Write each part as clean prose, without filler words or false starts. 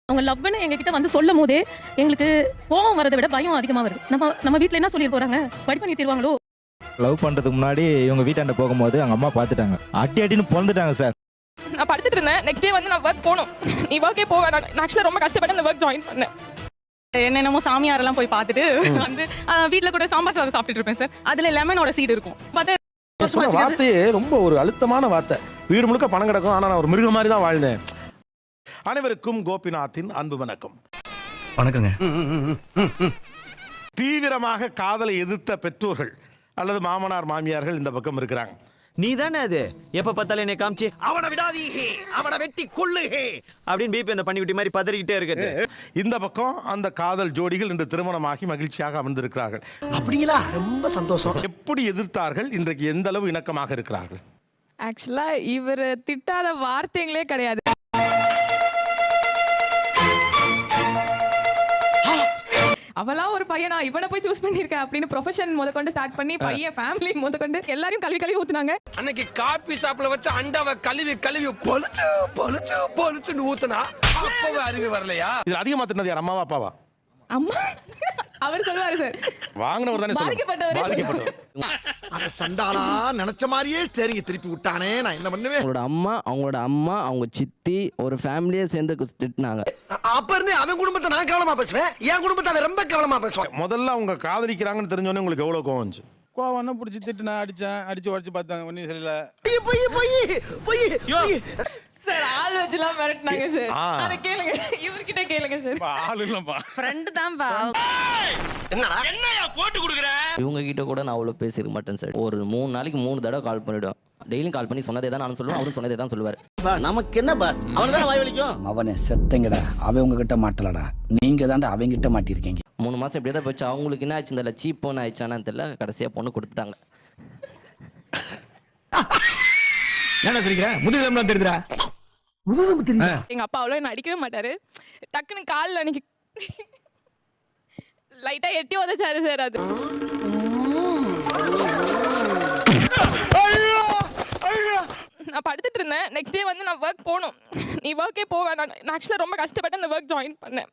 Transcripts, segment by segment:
அவங்க லவ்னு எங்ககிட்ட வந்து சொல்லும் போதே எங்களுக்கு கோவம் வரதை விட பயம் அதிகமா வருது. நம்ம வீட்ல என்ன சொல்லிட்டு போறாங்க, படி பண்ணி தருவாங்களோ. லவ் பண்றதுக்கு முன்னாடி இவங்க வீட்டாண்ட போகும்போது அவங்க அம்மா பார்த்துட்டாங்க. அடின்னு பொறந்துட்டாங்க சார். நான் படுத்துட்டு இருந்தேன். நெக்ஸ்ட் டே வந்து நான் ஒர்க் போகணும். நீ ஒர்க்கே போக வேணாம். நான் ஆக்சுவலாக ரொம்ப கஷ்டப்பட்டு அந்த ஒர்க் ஜாயின் பண்ணேன். என்னென்னமோ சாமியாரெல்லாம் போய் பார்த்துட்டு வந்து வீட்டில் கூட சாம்பார் சாதம் சாப்பிட்டுட்டு இருப்பேன் சார். அதுல லெமனோட சீடு இருக்கும். வார்த்தையே ரொம்ப ஒரு அழுத்தமான வார்த்தை. வீடு முழுக்க பணம் கிடக்கும், ஆனா நான் ஒரு மிருகம் மாதிரி தான் வாழ்ந்தேன். அனைவருக்கும் கோபிநாத்தின் அன்பு வணக்கம். வணக்கங்க. தீவிரமாக காதலை எதிர்த்த பெற்றோர்கள் அல்லது மாமனார் மாமியார்கள் இந்த பக்கம் இருக்கிறாங்க. நீ தானே அது எப்ப பார்த்தாலும் என்னை காமிச்சு அவனை விடாதீங்க, அவனை வெட்டி கொள்ளுங்க அப்படின்னு பிபி அந்த பண்ணிவிட்டி மாதிரி பதறிக்கிட்டே இருக்குது. இந்த பக்கம் அந்த காதல் ஜோடிகள் இன்று திருமணமாகி மகிழ்ச்சியாக அமர்ந்திருக்கிறார்கள். அப்படிங்களா? ரொம்ப சந்தோஷம். எப்படி எதிர்த்தார்கள், இன்றைக்கு எந்த அளவு இணக்கமாக இருக்கிறார்கள்? ஆக்சுவலா இவர் திட்டாத வார்த்தைகளே கிடையாது. அவளா ஒரு பையனா இவனை போய் சூஸ் பண்ணிருக்க அப்படின்னு ப்ரொஃபஷன் முதற்கொண்டு ஸ்டார்ட் பண்ணி பையன் ஃபேமிலி முதற்கொண்டு எல்லாரையும் கழுவி ஊத்துனாங்க. அன்னைக்கு காபி ஷாப்ல வச்சு அண்டாவை கழுவி பொலிச்சு பொலிச்சு பொலிச்சுன்னு ஊத்துனா அப்பவே அறிவு வரலையா? இது அதிகமா தின்னது யார், அம்மாவா அப்பாவா? அம்மா அவர் சொல்லுவாரு சார். வாங்கினவர் தானே பாதிக்கப்பட்டவர். அந்த சண்டாளா நினைச்ச மாதிரியே சரிங்க திருப்பி விட்டானே, நான் என்ன பண்ணுவேன்? அவங்களோட அம்மா அவங்க சித்தி ஒரு ஃபேமிலியே சேர்ந்து திட்டினாங்க. அப்ப இருந்து அவன் குடும்பத்தை நான் கவனமா பேசுவேன், என் குடும்பத்தை அவன் ரொம்ப கவனமா பேசுவான். முதல்ல அவங்க காதலிக்கிறாங்கன்னு தெரிஞ்சோடனே உங்களுக்கு எவ்வளவு கோவம் வந்துச்சு? கோவம் பிடிச்சி திட்டு நான் அடிச்சு உடச்சு பார்த்தாங்க. ஒன்றும் சரியில்லை. சார் ஆள் வச்சுலாம் மிரட்டினாங்க சார். அதை கேளுங்க, இவர்கிட்ட கேளுங்க சார். ஆள் இல்லப்பா, ஃப்ரெண்ட் தான்பா. என்னையா போட்டு கொடுக்குற? இவங்க கிட்ட கூட நான் அவ்வளோ பேசிருக்க மாட்டேன் சார். ஒரு 3 நாளைக்கு 3 தடவை கால் பண்ணிவிடுவேன். டெய்லியும் கால் பண்ணி சொன்னதே தான் நான் சொல்லுவேன், அவரும் சொன்னதே தான் சொல்லுவார். நமக்கு என்ன பாஸ், அவனுதான் வாய் வலிக்கும். அவனே செத்தங்கடா, அவன் உங்ககிட்ட மாட்டலடா, நீங்க தான்டா அவங்க கிட்ட மாட்டிருக்கீங்க. 3 மாசம் இப்படியே தான் போச்சு. அவங்களுக்கு என்ன ஆச்சு, இந்த சீப் பொண்ணு ஆயிடுச்சானு தெரியல. கடைசியா பொண்ணு கொடுத்துட்டாங்க. என்ன தெரியுங்க முதுகெலும்புலாம் தெரியுதுடா. எங்க அப்பா அவ்வளோ என்ன அடிக்கவே மாட்டாரு. டக்குன்னு காலில் அன்னைக்கு லைட்டா எட்டி உதச்சாரு சார். அது நான் படுத்துட்டு இருந்தேன். நெக்ஸ்ட் டே வந்து நான் ஒர்க் போகணும். நீ ஒர்க்கே போக வேணாம். நான் ஆக்சுவலாக ரொம்ப கஷ்டப்பட்டு அந்த ஒர்க் ஜாயின் பண்ணேன்.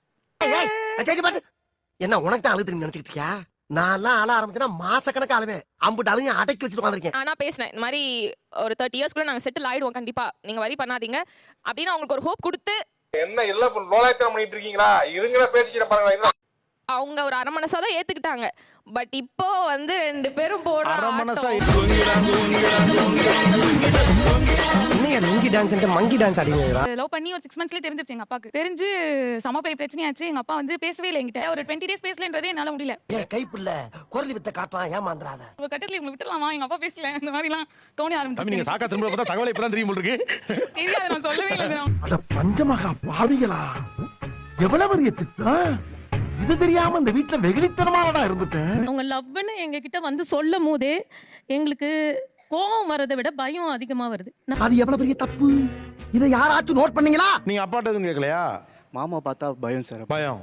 என்ன உனக்கு தான் அழுது நினைச்சிட்டு இருக்கியா? நான்லாம் ஆள ஆரம்பிச்சேன்னா மாசக்கணக்கு ஆளுவேன். அம்புட்டு அழுங்க அடக்கி வச்சுட்டு உட்காந்துருக்கேன். ஆனா பேசினேன், இந்த மாதிரி ஒரு 30 இயர்ஸ்க்குள்ள நாங்கள் செட்டில் ஆயிடுவோம் கண்டிப்பா, நீங்க வரி பண்ணாதீங்க அப்படின்னு அவங்களுக்கு ஒரு ஹோப் கொடுத்து. என்ன இல்ல லோலாயத்தனம் பண்ணிட்டு இருக்கீங்களா? இருங்கள பேசிக்கிற பாருங்க. அவங்க ஒரு அரை மனசா தான் ஏத்துக்கிட்டாங்க. பட் இப்போ வந்து 2 பேரும் போடுற அரை மனசா மங்கி டான்ஸ் மங்கி டான்ஸ் ஆடிங்களா? லவ் பண்ணி ஒரு 6 மந்த்ஸ்லயே தெரிஞ்சிருச்சு எங்க அப்பாக்கு. தெரிஞ்சு சம பெரிய பிரச்சனையாச்சு. எங்க அப்பா வந்து பேசவே இல்லை என்கிட்ட. ஒரு 20 டேஸ் பேசலன்றதே என்னால முடியல. ஏ கைப்புள்ள குரலி வித்த காட்டலாம், ஏமாந்துறாத. ஒரு கட்டத்துல இவங்க விட்டுலாமா, எங்க அப்பா பேசல, இந்த மாதிரி எல்லாம் தோணி ஆரம்பிச்சு. நீங்க சாக்கா திரும்ப பார்த்தா தகவல் இப்பதான் தெரியும் போல இருக்கு. தெரியாது, நான் சொல்லவே இல்லை. அட பஞ்சமகா பாவிகளா, எவ்வளவு பெரிய திட்டம் இது தெரியாம இந்த வீட்டுல வெகுளித்தனமானடா இருந்துட்டேன். அவங்க லவ்னு எங்ககிட்ட வந்து சொல்லும் போதே எங்களுக்கு கோவம் வரதை விட பயம் அதிகமா வருது. அது எவ்வளவு பெரிய தப்பு, இதை யாராச்சும் நோட் பண்ணீங்களா? நீங்க அப்பாட்ட எதுவும் கேட்கலையா? மாமா பார்த்தா பயம் சார். பயம்.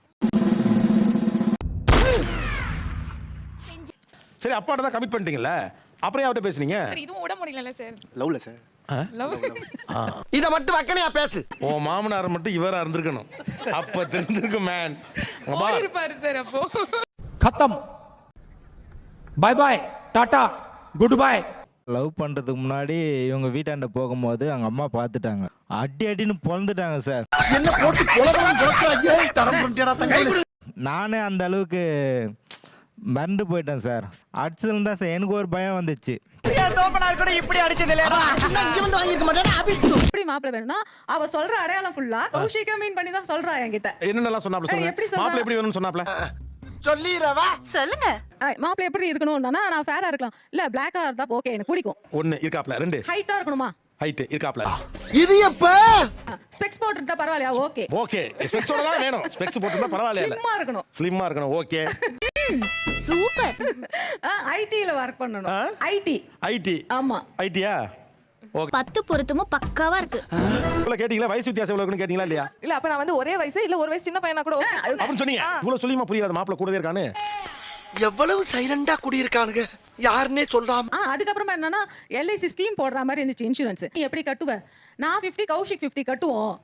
சரி, அப்பாட்ட தான் கமிட் பண்ணிட்டீங்கல்ல, அப்புறம் அவட்ட பேசுனீங்க? சரி, இதுவும் விட முடியல சார். லவ்ல சார். இத மட்டும் வக்கனையா பேசு. ஓ மாமனார் மட்டும் இவரா இருந்திருக்கணும், அப்ப தெரிஞ்சிருக்கும் மேன். இருப்பாரு சார். அப்போ खत्म, bye bye, tata, goodbye. Love பண்றதுக்கு முன்னாடி இவங்க வீட்டாண்ட போகும்போது அவங்க அம்மா பார்த்துட்டாங்க. அடின்னு பொறந்துட்டாங்க சார். என்ன போட்டு கொலவரம் கொலக்கறாங்க, தரம் பண்ணிட்டடா தங்க. நானே அந்த அளவுக்கு மறந்து போயிட்டேன் சார். அடிச்சதுல தான் சார் எனக்கு ஒரு பயம் வந்துச்சு. இப்படி அடிச்சது இல்லையா? இங்க வந்து வாங்கிருக்க மாட்டேனா? எப்படி மாப்பிள்ளை வேணும்னா அவ சொல்ற அடையாளம் ஃபுல்லா கௌஷிகா மீன் பண்ணி தான் சொல்றா என்கிட்ட. என்னென்னலாம் சொன்னாப்ல சொல்லுங்க. எப்படி சொல்றா? மாப்பிள்ளை எப்படி வேணும்னு சொன்னாப்ல சொல்லிரவா? சொல்லுங்க. மாப்பிள்ளை எப்படி இருக்கணும்னா நான் ஃபேரா இருக்கலாம், இல்ல பிளாக்கா இருந்தா ஓகே எனக்கு பிடிக்கும். 1 இருக்காப்ல, 2 ஹைட்டா இருக்கணுமா? ஹைட் இருக்காப்ல. இது எப்ப? ஸ்பெக்ஸ் போட்டுட்டா பரவாயில்லையா? ஓகே ஓகே, ஸ்பெக்ஸோட தான் வேணும். ஸ்பெக்ஸ் போட்டுட்டா பரவாயில்லை. ஸ்லிம்மா இருக்கணும். ஸ்லிம்மா இருக்கணும். Okay super. ஐடில வர்க் பண்ணனும். ஐடி. ஆமா, ஐடியா? ஓகே. 10 பொருத்தமும் பக்காவா இருக்கு. இவ்வளவு கேட்டீங்களா? வயசு வித்தியாசம் எவ்வளவு இருக்குன்னு கேட்டீங்களா இல்லையா? இல்ல அப்ப நான் வந்து ஒரே வயசு இல்ல ஒரு வயசு சின்ன பையனா கூட அப்படின்னு சொன்னீங்க. இவ்வளவு சொல்லியுமா புரியாது? மாப்பிள்ளை கூடவே இருக்கானு. எவ்வளவு சைலண்டா குடியிருக்கானுங்க, யாருன்னே சொல்லாம. அதுக்கப்புறமா என்னன்னா LIC ஸ்கீம் போடுற மாதிரி இருந்துச்சு, இன்சூரன்ஸ். நீ எப்படி கட்டுவ? நான் 50 கௌஷிக் 50 கட்டுவோம்.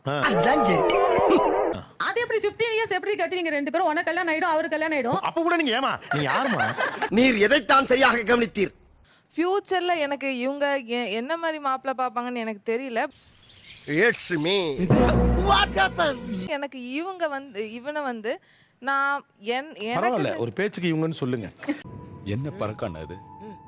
அது எப்படி 15 இயர்ஸ் எப்படி கட்டுவீங்க ரெண்டு பேரும்? உனக்கு கல்யாணம் ஆயிடும், அவருக்கு கல்யாணம் ஆயிடும். அப்ப கூட நீங்க ஏமா நீ யாருமா? நீர் எதைத்தான் சரியாக கவனித்தீர்? ஃபியூச்சர்ல எனக்கு இவங்க என்ன மாதிரி மாப்பிள்ளை பாப்பாங்கன்னு எனக்கு தெரியல. It's me. What happen? எனக்கு இவனை வந்து நான் பரவாயில்ல, ஒரு பேச்சுக்கு இவங்கன்னு சொல்லுங்க. என்ன பழக்கம் அது?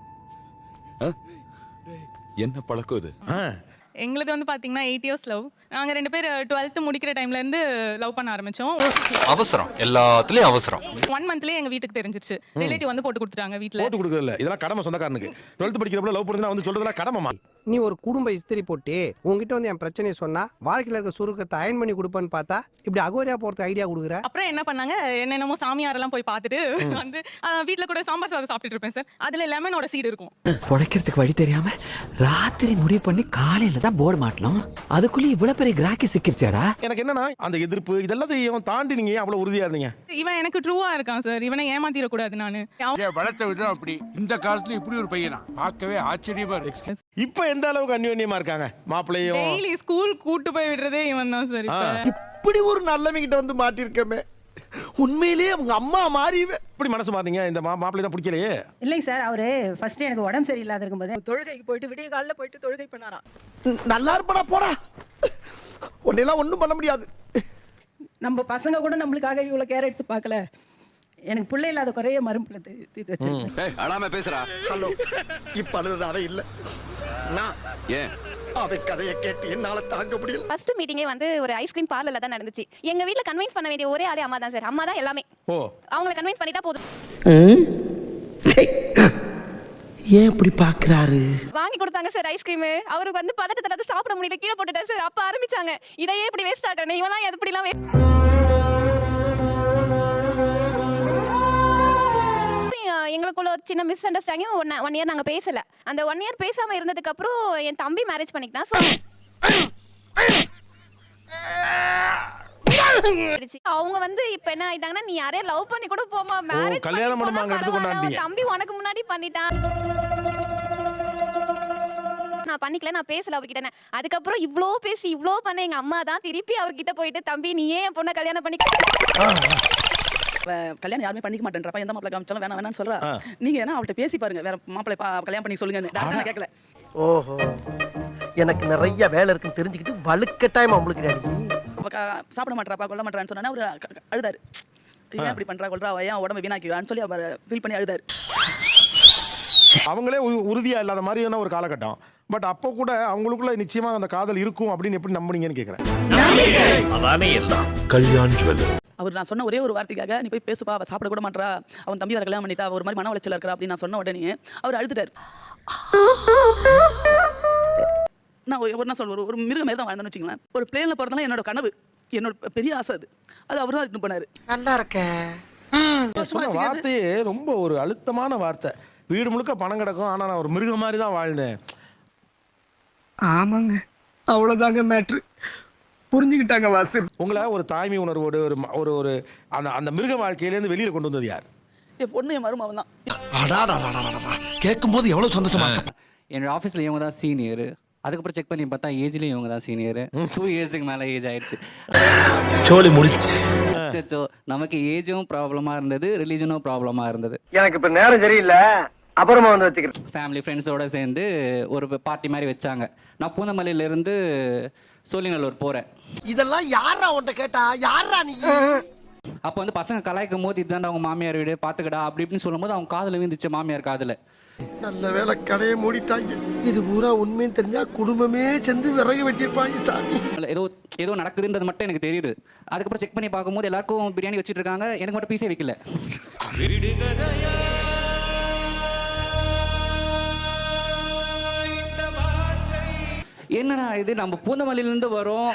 என்ன பழக்கம் இது? எங்களுக்கு வந்து பாத்தீங்கன்னா 8 இயர்ஸ் லவ். நாங்க ரெண்டு பேர் 12th முடிக்கிற டைம்ல இருந்து லவ் பண்ண ஆரம்பிச்சோம். அவசரம், எல்லாத்துலயும் அவசரம். 1 மந்த்லயே எங்க வீட்டுக்கு தெரிஞ்சிருச்சு. ரிலேட்டிவ் வந்து போட்டு கொடுத்துட்டாங்க வீட்ல. போட்டு கொடுக்கறதில்ல, இதெல்லாம் கடமை சொந்தக்காரனுக்கு. 12th படிக்கிறப்ப லவ் பண்ணுறதுனா வந்து சொல்றதெல்லாம் கடமைமா. நீ ஒரு குடும்ப இஸ்திரி போட்டு உங்ககிட்ட வந்து என் பிரச்சனையை சொன்னா வாழ்க்கையில இருக்க சுருக்கத்தை அயன் பண்ணி கொடுப்பேன்னு பார்த்தா இப்படி அகோரியா போறதுக்கு ஐடியா கொடுக்குற. அப்புறம் என்ன பண்ணாங்க, என்னென்னமோ சாமியாரெல்லாம் போய் பார்த்துட்டு வந்து வீட்ல கூட சாம்பார் சாதம் சாப்பிட்டுட்டு இருப்பேன் சார். அதுல லெமனோட சீடு இருக்கும். புடைக்கிறதுக்கு வழி தெரியாம ராத்திரி முடிவு பண்ணி காலையில தான் போர்டு மாட்டணும். அதுக்குள்ள இவ்வளவு பெரிய கிராக்கி சிக்கிருச்சாடா. எனக்கு என்னன்னா அந்த எதிர்ப்பு இதெல்லாம் தாண்டி நீங்க அவ்வளவு உறுதியா இருந்தீங்க. இவன் எனக்கு ட்ரூவா இருக்கான் சார். இவனை ஏமாத்திர கூடாது நானு. வளர்த்த விதம் அப்படி. இந்த காலத்துல இப்படி ஒரு பையனா பார்க்கவே ஆச்சரியமா இருக்கு. இப்ப எந்த அளவுக்கு அந்யோன்யமா இருக்காங்க மாப்பிள்ளையும்? டெய்லி ஸ்கூல் கூட்டு போய் விடுறதே இவன் தான் சார். இப்படி ஒரு நல்லவங்கிட்ட வந்து மாட்டிருக்கமே, உண்மையிலேயே அவங்க அம்மா மாறிவே. இப்படி மனசு மாறீங்க? இந்த மாப்பிள்ளை தான் பிடிக்கலையே? இல்லைங்க சார், அவரு ஃபர்ஸ்ட் எனக்கு உடம்பு சரியில்லாத இருக்கும்போது தொழுகைக்கு போயிட்டு விடிய காலைல போயிட்டு தொழுகை பண்ணாராம். நல்லா இருப்படா போடா, உன்னெல்லாம் ஒண்ணும் பண்ண முடியாது. நம்ம பசங்க கூட நம்மளுக்காக இவ்வளவு கேர் எடுத்து பார்க்கல. எனக்கு பிள்ளை இல்லாத குறைய மறுப்புல தீர்த்து வச்சிருக்கேன். அழாம பேசுறா. ஹலோ, இப்ப அழுது அவ இல்ல, நான் ஏன் அவ கதையை கேட்டு என்னால தாங்க முடியல. ஃபர்ஸ்ட் மீட்டிங்கே வந்து ஒரு ஐஸ்கிரீம் பார்லர்ல தான் நடந்துச்சு. எங்க வீட்ல கன்வின்ஸ் பண்ண வேண்டிய ஒரே ஆளே அம்மா தான் சார். அம்மா தான் எல்லாமே. ஓ, அவங்கள கன்வின்ஸ் பண்ணிட்டா போதும். ஏன் இப்படி பாக்குறாரு? வாங்கி கொடுத்தாங்க சார் ஐஸ்கிரீம். அவருக்கு வந்து பதட்டத்தை சாப்பிட முடியல, கீழே போட்டுட்டாரு சார். அப்ப ஆரம்பிச்சாங்க, இதையே இப்படி வேஸ்ட் ஆக்குறேன், இவெல்லாம் எப்படிலாம் எங்களுக்குள்ள ஒரு சின்ன மிஸ் அண்டர்ஸ்டாண்டிங். 1 இயர் நாங்க பேசல. அந்த 1 இயர் பேசாம இருந்ததுக்கு அப்புறம் என் தம்பி மேரேஜ் பண்ணிக்கிட்டான். அவங்க வந்து இப்ப என்ன ஆயிட்டாங்கன்னா, நீ யாரையும் லவ் பண்ணி கூட போமா, மேரேஜ் கல்யாணம் பண்ணுவாங்க எடுத்துக்கொண்டாங்க. தம்பி உனக்கு முன்னாடி பண்ணிட்டான், நான் பண்ணிக்கல, நான் பேசல அவர்கிட்ட. அதுக்கப்புறம் இவ்ளோ பேசி இவ்ளோ பண்ண எங்க அம்மா தான் திருப்பி அவர்கிட்ட போயிட்டு, தம்பி நீ ஏன் பொண்ணை கல்யாணம் பண்ணிக்க? கல்யாணம் யாருமே பண்ணிக்க மாட்டேன்றப்ப எந்த மாப்பிள்ளை காமிச்சாலும் வேணாம் வேணாம்னு சொல்றா. நீங்க என்ன அவள்கிட்ட பேசி பாருங்க, வேற மாப்பிள்ளை கல்யாணம் பண்ணி சொல்லுங்க. நான் கேட்கல. ஓஹோ, எனக்கு நிறைய வேலை இருக்குன்னு தெரிஞ்சுக்கிட்டு வலுக்கட்டாயமா உங்களுக்கு சாப்பிட மாட்டாப்பா கொல்ல மாட்டான்னு சொன்னா அவரு அழுதாரு. ஏன் இப்படி பண்றா கொல்றா, ஏன் உடம்பு வீணாக்கிறான்னு சொல்லி அவர் ஃபீல் பண்ணி அழுதாரு. அவங்களே உறுதியா இல்லாத மாதிரியான ஒரு காலகட்டம். பட் அப்போ கூட அவங்களுக்குள்ள நிச்சயமா அந்த காதல் இருக்கும் அப்படின்னு எப்படி நம்புனீங்கன்னு கேக்குறேன். கல்யாண் ஜுவல்லர். அவர் நான் சொன்ன ஒரே ஒரு வார்த்தைக்காக நீ போய் பேசுப்பா, அவ சாப்பிட கூட மாட்டா, அவன் தம்பி வர கல்யாணம் பண்ணிட்டா, ஒரு மாதிரி மன உளைச்சல் இருக்கா அப்படின்னு நான் சொன்ன உடனே அவர் அழுதுட்டாரு. நான் ஒரு நாள் சொல்ல ஒரு மிருகமே தான் வாழ்ந்தேன்னு வச்சுங்களேன். ஒரு பிளேன்ல போறதுலாம் என்னோட கனவு, என்னோட பெரிய ஆசை. அது அவர் தான் இட்டு பண்ணாரு. நல்லா இருக்க. வார்த்தையே ரொம்ப ஒரு அழுத்தமான வார்த்தை. வீடு முழுக்க பணம் கிடக்கும், ஆனா நான் ஒரு மிருகம் மாதிரி தான் வாழ்ந்தேன். ஆமாங்க, அவ்வளவுதாங்க மேட்ரு. புரிஞ்சுக்கிட்டாங்க வாசு. உங்களை ஒரு தாய்மை உணர்வோடு ஒரு ஒரு அந்த மிருக வாழ்க்கையிலேருந்து வெளியில கொண்டு வந்தது யார்? என் பொண்ணு என் மருமகன் தான். கேட்கும் போது எவ்வளவு சந்தோஷமா இருக்கு. என்னோட ஆஃபீஸில் இவங்க தான் சீனியர். அதுக்கப்புறம் செக் பண்ணி பார்த்தா ஏஜ்லேயும் இவங்க தான் சீனியர். 2 இயர்ஸுக்கு மேலே ஏஜ் ஆயிடுச்சு. சோலி முடிச்சு. நமக்கு ஏஜும் ப்ராப்ளமாக இருந்தது, ரிலீஜனும் ப்ராப்ளமாக இருந்தது. எனக்கு இப்ப நேரம் சரியில்லை, அப்புறமா வந்து வச்சுக்கிறேன். ஃபேமிலி ஃப்ரெண்ட்ஸோடு சேர்ந்து ஒரு பார்ட்டி மாதிரி வச்சாங்க. நான் பூந்தமல்லியிலேருந்து சோழிநல்லூர் போகிறேன். இதெல்லாம் யாரா உன்கிட்ட கேட்டா, யாரா நீ? அப்போ வந்து பசங்க கலாய்க்கும் போது இதுதான் அவங்க மாமியார் வீடு பார்த்துக்கடா அப்படி இப்படின்னு சொல்லும் போது அவங்க காதில் விழுந்துச்சு, மாமியார் காதில். நல்ல வேலை கடையை மூடிட்டாங்க. இது பூரா உண்மைன்னு தெரிஞ்சா குடும்பமே சேர்ந்து விறகு வெட்டியிருப்பாங்க சாமி. ஏதோ நடக்குதுன்றது மட்டும் எனக்கு தெரியுது. அதுக்கப்புறம் செக் பண்ணி பார்க்கும்போது எல்லாருக்கும் பிரியாணி வச்சுட்டு இருக்காங்க, எனக்கு மட்டும் பீஸே வைக்கல. என்னடா இது, நம்ம பூந்தமல்லியிலிருந்து வரோம்.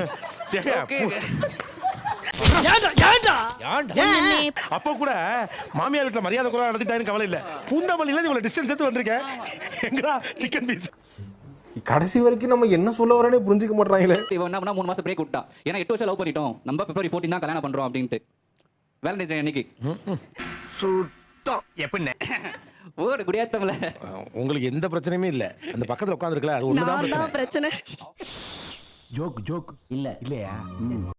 அப்போ கூட மாமியார் வீட்டுல மரியாதை குறைவா நடத்திட்டான்னு கவலை இல்ல. பூந்தமல்லியில இவ்வளவு டிஸ்டன்ஸ் எடுத்து வந்திருக்கேன். எங்கடா சிக்கன் பீஸ்? கடைசி வரைக்கும் நம்ம என்ன சொல்ல வரேன்னு புரிஞ்சுக்க மாட்டாங்களே. இவன் என்ன பண்ணா 3 மாசம் பிரேக் விட்டான். ஏன்னா 8 வருஷம் லவ் பண்ணிட்டோம், நம்ம பிப்ரவரி 14 தான் கல்யாணம் பண்றோம் அப்படின்ட்டு. வேலண்டைன்ஸ் டே அன்னைக்கு சுத்தம் எப்படி ஓடு குடியாத்தம்ல உங்களுக்கு எந்த பிரச்சனையுமே இல்ல அந்த பக்கத்துல உட்காந்துருக்கல அது ஒண்ணுதான் பிரச்சனை பிரச்சனை ஜோக் ஜோக் இல்ல இல்லையா